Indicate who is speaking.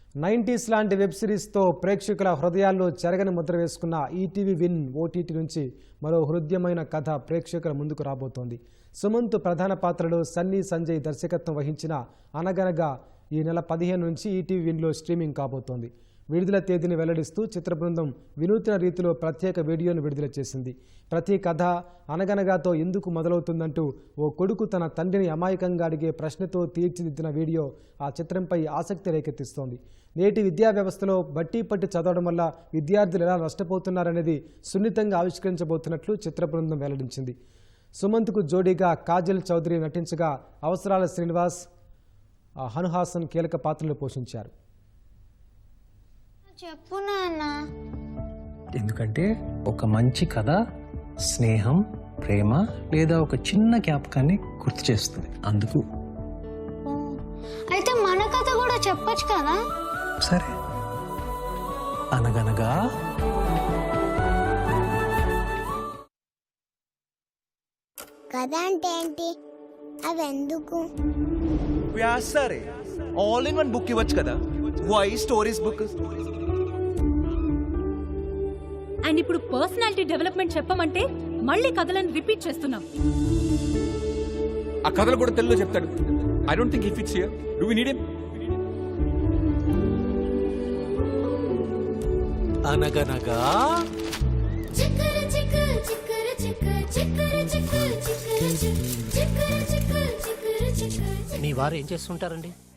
Speaker 1: 90s లాంటి web సిరీస్తో ప్రేక్షకుల హృదయాల్లో చెరగని ముద్ర వేసుకున్న ఈటీవీ విన్ ఓటీటీ నుంచి మరో హృదయమైన కథ ప్రేక్షకుల ముందుకు రాబోతోంది. సుమంత్ ప్రధాన పాత్రలో సన్నీ సంజయ్ దర్శకత్వం వహించిన అనగనగా ఈ నెల 15 నుంచి ఈటీవీ విన్లో స్ట్రీమింగ్ కాబోతోంది. విడుదల తేదీని వెల్లడిస్తూ చిత్ర బృందం వినూత్న రీతిలో ప్రత్యేక వీడియోను విడుదల చేసింది. ప్రతి కథ అనగనగాతో ఎందుకు మొదలవుతుందంటూ ఓ కొడుకు తన తండ్రిని అమాయకంగా అడిగే ప్రశ్నతో తీర్చిదిద్దిన వీడియో ఆ చిత్రంపై ఆసక్తి రేకెత్తిస్తోంది. నేటి విద్యా వ్యవస్థలో బట్టి పట్టి చదవడం వల్ల విద్యార్థులు ఎలా నష్టపోతున్నారనేది సున్నితంగా ఆవిష్కరించబోతున్నట్లు చిత్ర బృందం వెల్లడించింది. సుమంత్కు జోడీగా కాజల్ చౌదరి నటించగా అవసరాల శ్రీనివాస్, హనుహాసన్ కీలక పాత్రలు పోషించారు.
Speaker 2: చెప్పు నాన్న.
Speaker 3: ఎందుకంటే ఒక మంచి కథ స్నేహం, ప్రేమ లేదా ఒక చిన్న జ్ఞాపకాన్ని గుర్తు చేస్తుంది. అందుకు
Speaker 2: అయితే మన కథ కూడా చెప్పొచ్చు కదా.
Speaker 3: సరే, అనగనగా
Speaker 4: కథ అంటే ఏంటి? అవి ఎందుకు?
Speaker 5: సరే, ఆల్ ఇన్ వన్ బుక్ ఇవ్వచ్చు కదా. Why stories book?
Speaker 6: అండ్ ఇప్పుడు పర్సనాలిటీ డెవలప్మెంట్ చెప్పమంటే మళ్ళీ కథలను రిపీట్ చేస్తున్నాం.
Speaker 7: ఆ కథలు కూడా తెలుగులో చెప్తాడు. I don't think he fits here. Do we need him?
Speaker 3: అనగనగా
Speaker 8: మీ వారు ఏం చేస్తుంటారండి?